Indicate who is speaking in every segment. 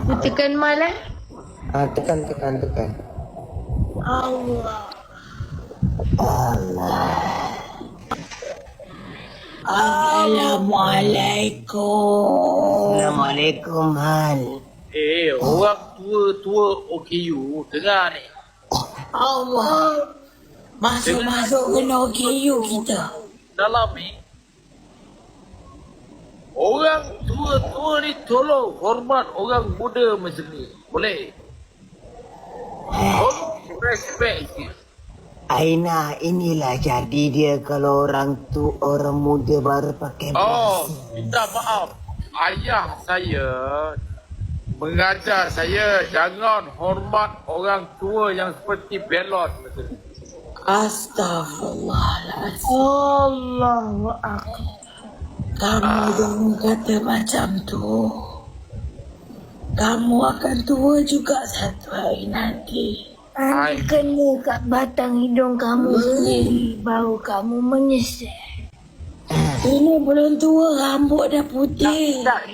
Speaker 1: Dia tekan malah.
Speaker 2: Tekan.
Speaker 1: Allah. Assalamualaikum.
Speaker 2: Assalamualaikum Hal.
Speaker 3: Orang tua OKU dengar ni.
Speaker 1: Allah. Masuk kena OKU kita.
Speaker 3: Dalam ni orang tua ni tolong hormat orang muda macam ni. Boleh? Tolong respect sikit.
Speaker 2: Aina, inilah jadi dia kalau orang muda baru pakai
Speaker 3: Minta maaf. Ayah saya mengajar saya jangan hormat orang tua yang seperti belot macam ni.
Speaker 1: Astaghfirullahaladzim. Allahu Akbar. Kamu jangan kata macam tu. Kamu akan tua juga satu hari nanti. Nanti kena kat batang hidung kamu sendiri. Baru kamu menyesal. Ini belum tua, rambut dah putih.
Speaker 3: Tak,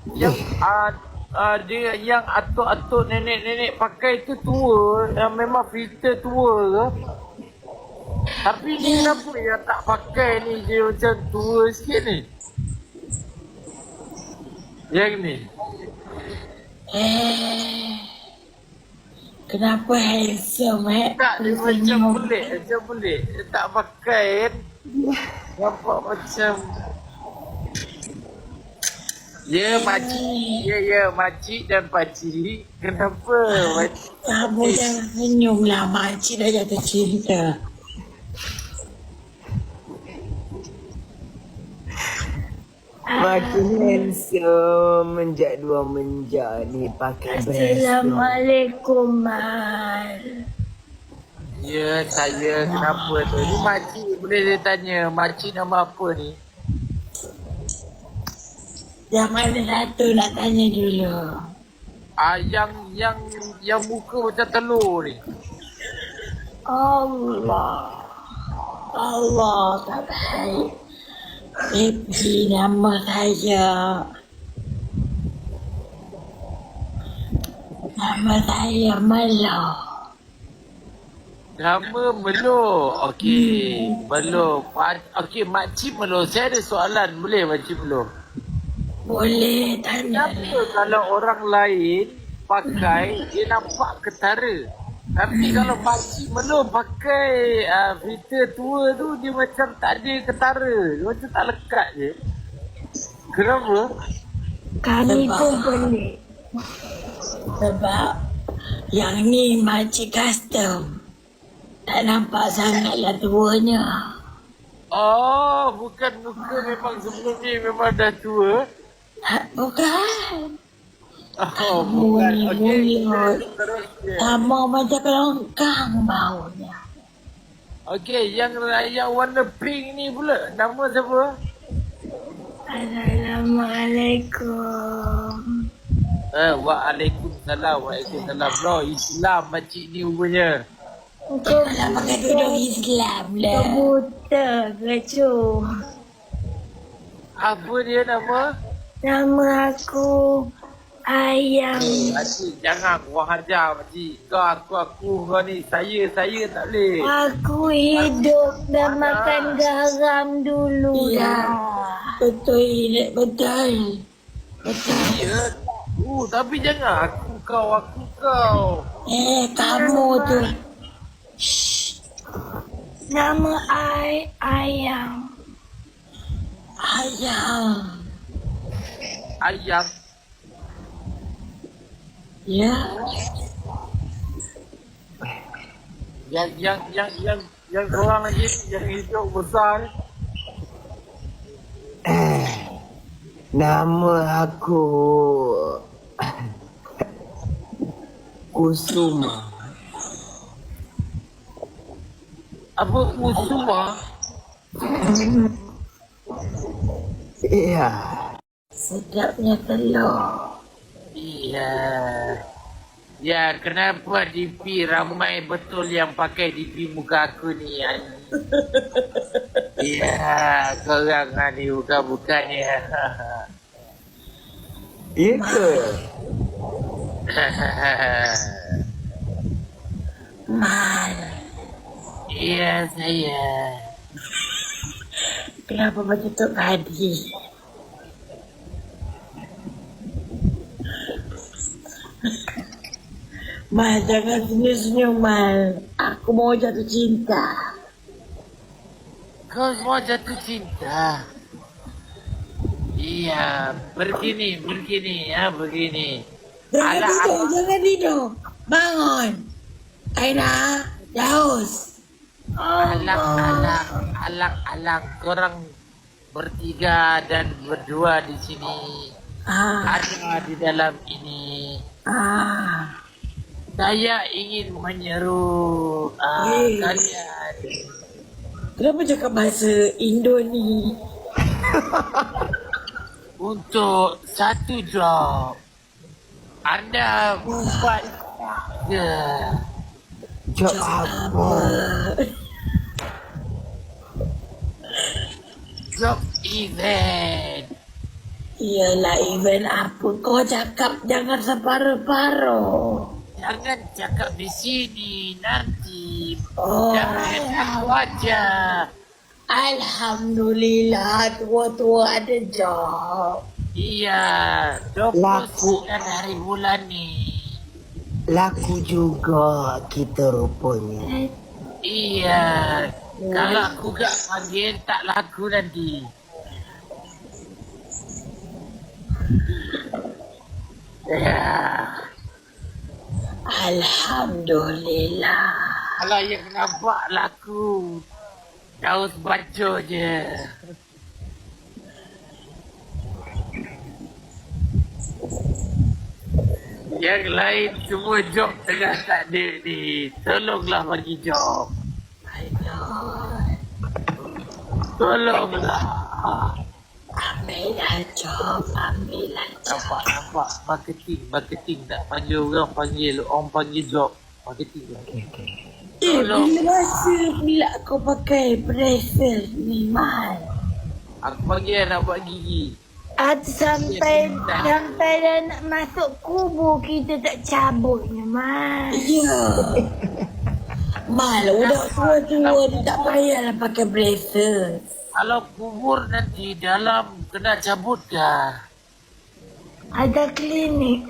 Speaker 3: dia yang atuk-atuk nenek-nenek pakai tu tua, yang memang filter tua ke? Tapi ni kenapa yang tak pakai ni dia macam tua sikit ni? Yang ni.
Speaker 1: Kenapa handsome
Speaker 3: Tak, dia macam pelik, Dia tak pakai kan? Nampak macam makcik. Ya, makcik dan pakcik. Kenapa makcik?
Speaker 1: Kamu jangan senyum lah, makcik dah jatuh cinta.
Speaker 2: makin handsome, menjak ni pakai
Speaker 1: Assalamualaikum, Mal.
Speaker 3: Ya, saya kenapa tu? Ni makcik boleh dia tanya, makcik nama apa ni?
Speaker 1: Yang mana satu nak tanya dulu?
Speaker 3: Yang muka macam telur ni.
Speaker 1: Allah tak baik. Baby, nama saya. Nama saya Melo.
Speaker 3: Nama Melo. Okey, Melo. Okey, makcik Melo. Saya ada soalan. Boleh makcik Melo?
Speaker 1: Boleh tanya.
Speaker 3: Kenapa kalau orang lain pakai, dia nampak ketara? Tapi kalau makcik Melo pakai filter tua tu, dia macam tak ada ketara. Dia macam tak lekat je. Kenapa?
Speaker 1: Kami pun pelik. Sebab yang ni makcik custom. Tak nampak sangatlah tuanya.
Speaker 3: Oh, bukan muka memang sebelum ni memang dah tua.
Speaker 1: Bukan.
Speaker 3: Oh, bukan. Okey.
Speaker 1: Sama macam kelongkang baunya.
Speaker 3: Okey, yang warna pink ni pula. Nama siapa?
Speaker 1: Assalamualaikum.
Speaker 3: Waalaikumsalam. Bro, Islam makcik ni rupanya.
Speaker 1: Kau nak pakai tudung Islam lah. Kau buta ke cu?
Speaker 3: Apa dia nama?
Speaker 1: Nama aku Ayam.
Speaker 3: Makcik, jangan kurang ajar makcik. Aku ni. Saya tak boleh.
Speaker 1: Aku hidup dan makan garam dulu dah. Betul.
Speaker 3: Ya. Tapi jangan aku kau.
Speaker 1: Kamu tu. Shh. Nama Ayam.
Speaker 3: Ayam.
Speaker 1: Ya.
Speaker 3: Yang korang lagi yang hijau besar.
Speaker 2: Nama aku Kusuma.
Speaker 3: Apa Kusuma?
Speaker 2: Iya.
Speaker 1: Sedapnya telur.
Speaker 3: Iya. Ya, kenapa DP ramai betul yang pakai DP muka aku ni? Ya, korang ni bukan-bukan ya.
Speaker 2: Iya ke?
Speaker 1: Mal,
Speaker 3: Ya, saya.
Speaker 1: kenapa macam tu tadi? Mal, jangan senyum-senyum, Mal. Aku mau jatuh cinta.
Speaker 3: Kau mau jatuh cinta? Iya, begini, ya, begini.
Speaker 1: Jangan tidur. Bangun. Aina, Daus.
Speaker 3: Alang, korang bertiga dan berdua di sini. Ada di dalam ini. Saya ingin menyeru kalian.
Speaker 1: Kenapa cakap bahasa Indo ni?
Speaker 3: Untuk satu job. Anda buat ke?
Speaker 2: Job apa?
Speaker 3: Job event.
Speaker 1: Iyalah event apa? Kau cakap jangan separuh-paruh.
Speaker 3: Jangan cakap di sini nanti.
Speaker 1: Oh,
Speaker 3: Jangan wajah.
Speaker 1: Alhamdulillah tua-tua ada job.
Speaker 3: Iya, 29 hari bulan ni.
Speaker 2: Laku juga kita rupanya.
Speaker 3: Iya, kalau aku gak panggil tak laku nanti. Ya,
Speaker 1: Alhamdulillah.
Speaker 3: kalau yang nampak laku, Daus baca je. Yang lain semua job tengah tak ada ni. Tolonglah bagi job. Tolonglah.
Speaker 1: Ambillah job.
Speaker 3: Nampak. Marketing tak panggil orang panggil job. Marketing. Tolong.
Speaker 1: Bila masa pula kau pakai bracer ni, Mal?
Speaker 3: Aku panggil nak buat gigi.
Speaker 1: Sampai dah nak masuk kubur kita tak cabutnya, Mal. Ya. Mal, udah tua-tua ni tak payahlah pakai bracer.
Speaker 3: Kalau kubur nanti dalam kena cabut dah.
Speaker 1: Ada klinik.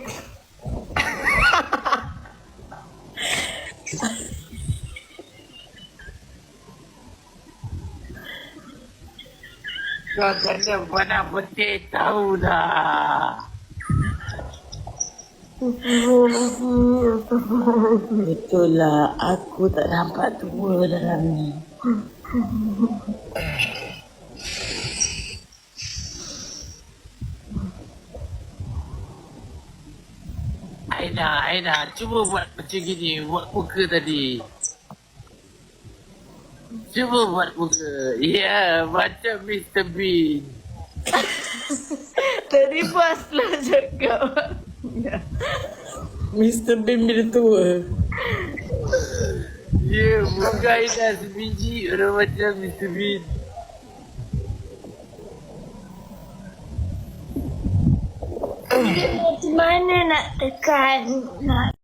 Speaker 3: Kau kena pandang petik tahu dah.
Speaker 1: Betul lah, aku tak nampak tua dalam ni.
Speaker 3: Aina, cuba buat macam gini, buat muka tadi. Cuba buat muka. Ya, macam Mr. Bean.
Speaker 1: Tadi pas lah cakap. Mr. Bean bila tua.
Speaker 3: Ya, muka Aina sebiji orang macam Mr. Bean.
Speaker 1: Macam mana nak tekan, nak